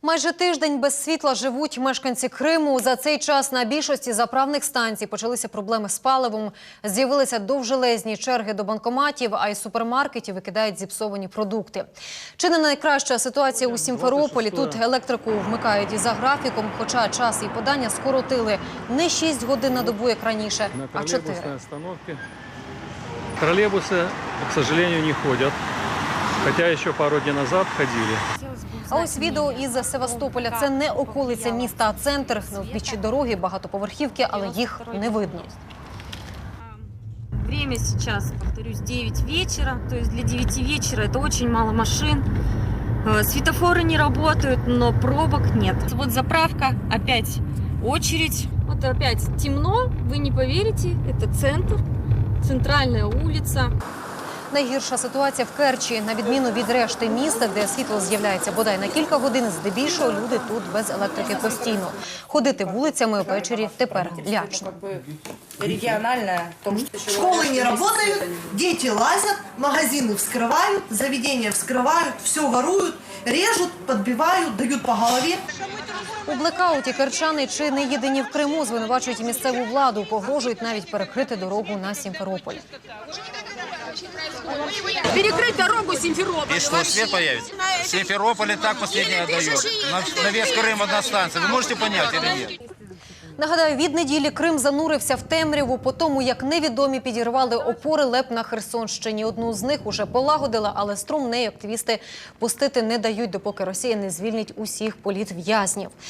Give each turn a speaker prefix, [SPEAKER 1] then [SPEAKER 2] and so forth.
[SPEAKER 1] Майже тиждень без світла живуть мешканці Криму. За цей час на більшості заправних станцій почалися проблеми з паливом. З'явилися довжелезні черги до банкоматів, а із супермаркетів викидають зіпсовані продукти. Чи не найкраща ситуація у Сімферополі? Тут електрику вмикають і за графіком, хоча час і подання скоротили не 6 годин на добу, як раніше, а 4.
[SPEAKER 2] Троллейбусы, к сожалению, не ходят, хотя еще пару дней назад ходили.
[SPEAKER 1] А ось відео із Севастополя. Це не околиця міста, а центр. На узбіччі дороги багатоповерхівки, але їх не видно.
[SPEAKER 3] Время сейчас, повторюсь, 9 вечера. То есть для 9 вечера это очень мало машин. Светофоры не работают, но пробок нет. Вот заправка, опять очередь. Вот опять темно, вы не поверите, это центр, центральная улица.
[SPEAKER 1] Найгірша ситуація в Керчі. На відміну від решти міста, де світло з'являється бодай на кілька годин, здебільшого люди тут без електрики постійно. Ходити вулицями ввечері тепер лячно.
[SPEAKER 4] Школы не работают, дети лазят, магазины вскрывают, заведения вскрывают, все воруют, режут, подбивают, дают по голове.
[SPEAKER 1] У блекауті керчани чи не єдині в Криму звинувачують місцеву владу, погрожують навіть перекрити дорогу на Сімферополь.
[SPEAKER 5] Перекрыть дорогу Симферополя.
[SPEAKER 6] И что, свет появится? В Симферополе так последнее отдает. На весь Крым одна станция. Вы можете понять или нет?
[SPEAKER 1] Нагадаю, від неділі Крим занурився в темряву по тому, як невідомі підірвали опори ЛЕП на Херсонщині. Одну з них уже полагодила, але струм неї активісти пустити не дають, допоки Росія не звільнить усіх політв'язнів.